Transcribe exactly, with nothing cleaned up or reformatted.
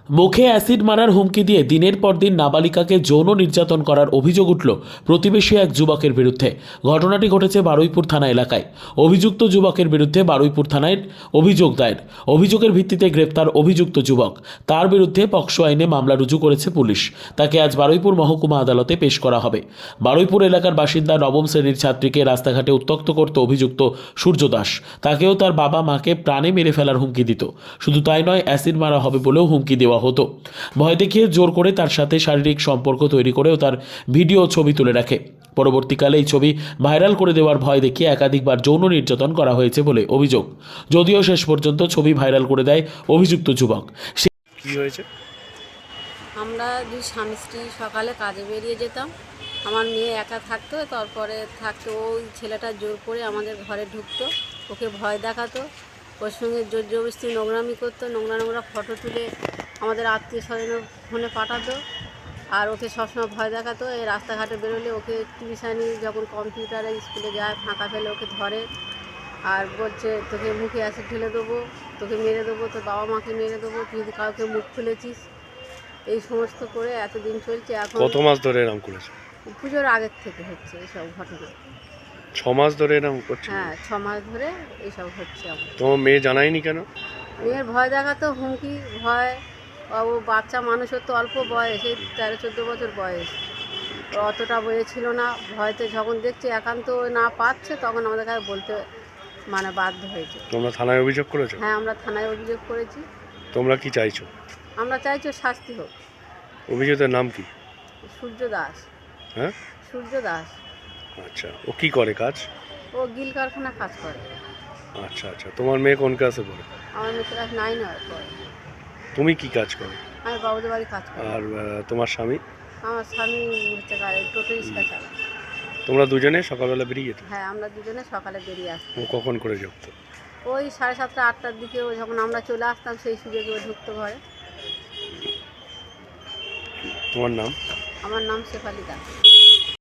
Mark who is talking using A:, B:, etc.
A: মুখে অ্যাসিড মারার হুমকি দিয়ে দিনের পর দিন নাবালিকাকে যৌন নির্যাতন করার অভিযোগ উঠল প্রতিবেশী এক যুবকের বিরুদ্ধে। ঘটনাটি ঘটেছে বারুইপুর থানা এলাকায়। অভিযুক্ত যুবকের বিরুদ্ধে বারুইপুর থানায় অভিযোগ দায়ের। অভিযোগের ভিত্তিতে গ্রেপ্তার অভিযুক্ত যুবক। তার বিরুদ্ধে পক্সো আইনে মামলা রুজু করেছে পুলিশ। তাকে আজ বারুইপুর মহকুমা আদালতে পেশ করা হবে। বারুইপুর এলাকার বাসিন্দা নবম শ্রেণীর ছাত্রীকে রাস্তাঘাটে উত্ত্যক্ত করত অভিযুক্ত সূর্য দাস। তাকেও তার বাবা মাকে প্রাণে মেরে ফেলার হুমকি দিত। শুধু তাই নয়, অ্যাসিড মারা হবে বলেও হুমকি দেওয়া হতো। ভয় দেখিয়ে জোর করে তার সাথে শারীরিক সম্পর্ক তৈরি করেও তার ভিডিও ছবি তুলে রাখে। পরবর্তীকালে এই ছবি ভাইরাল করে দেওয়ার ভয় দেখিয়ে একাধিকবার যৌন নির্যাতন করা হয়েছে বলে অভিযোগ। যদিও শেষ পর্যন্ত ছবি ভাইরাল করে দেয় অভিযুক্ত যুবক।
B: কি হয়েছে?
C: আমরা দুই স্বামী স্ত্রী সকালে কাজে বেরিয়ে যেতাম। আমার মেয়ে একা থাকতো, তারপরে থাকতো ওই ছেলেটা জোর করে আমাদের ঘরে ঢুকতো, ওকে ভয় দেখাতো, ওর সঙ্গে জোর জবরদস্তি নোংরামি করতো, নোংরা নোংরা ফটো তুলে আমাদের আত্মীয় স্বজনের ফোনে পাঠাতো। আর ওকে সবসময় ভয় দেখাতো। এই রাস্তাঘাটে বেরোলে ওকে টিউশানি যখন কম্পিউটারে স্কুলে যায় ফাঁকা ফেলে ওকে ধরে আর বলছে তোকে মুখে অ্যাসিড ঢেলে দেবো, তোকে মেরে দেবো, তোর বাবা মাকে মেরে দেবো, তুই যদি কাউকে মুখ খুলেছিস। এই সমস্ত করে এতদিন চলছে। এখন
B: কত মাস ধরে এরকম করেছে?
C: পুজোর আগের থেকে হচ্ছে এইসব ঘটনা।
B: ছ মাস ধরে এরকম করছে?
C: হ্যাঁ, ছ মাস ধরে এইসব হচ্ছে। আমার
B: তোমার মেয়ে জানায়নি কেন?
C: মেয়ের ভয় দেখাতো, হুমকি, ভয়। ও বাচ্চা মানুষের তো অল্প বয়স, এই তেরো চোদ্দো বছর বয়স, ওর অতটা বয়স ছিল না। ভয়তে যখন দেখছে একান্ত না পাচ্ছে তখন আমাদের কাছে বলতে মানে বাধ্য হয়েছে।
B: তোমরা থানায় অভিযোগ করেছো?
C: হ্যাঁ, আমরা থানায় অভিযোগ করেছি।
B: তোমরা কি চাইছো?
C: আমরা চাইছি ওর শাস্তি হোক।
B: অভিযুক্তের নাম কি?
C: সূর্য দাস।
B: হ্যাঁ,
C: সূর্য দাস।
B: আচ্ছা। ও কি করে কাজ?
C: ও গিল কারখানা কাজ করে।
B: আচ্ছা আচ্ছা। তোমার মেয়ে কোন ক্লাসে পড়ে?
C: আমার মেয়ে ক্লাস নাইন হওয়ার পর।
B: তুমি কি কাজ করো?
C: আমি বাবুদের বাড়ি কাজ করি।
B: আর আহ, তোমার স্বামী?
C: আমার স্বামী হচ্ছে গাড়ি টোটো রিক্সা চালায়।
B: তোমরা দুজনে সকালবেলা বেরিয়ে যেত?
C: হ্যাঁ, আমরা দুজনে সকালে বেরিয়ে আসতাম।
B: ও কখন করে যুক্ত?
C: ওই সাড়ে সাতটা আটটার দিকে ও যখন আমরা চলে আসতাম সেই সুযোগে ও ঢুকতো ঘরে।
B: তোমার নাম?
C: আমার নাম শেফালি দাস।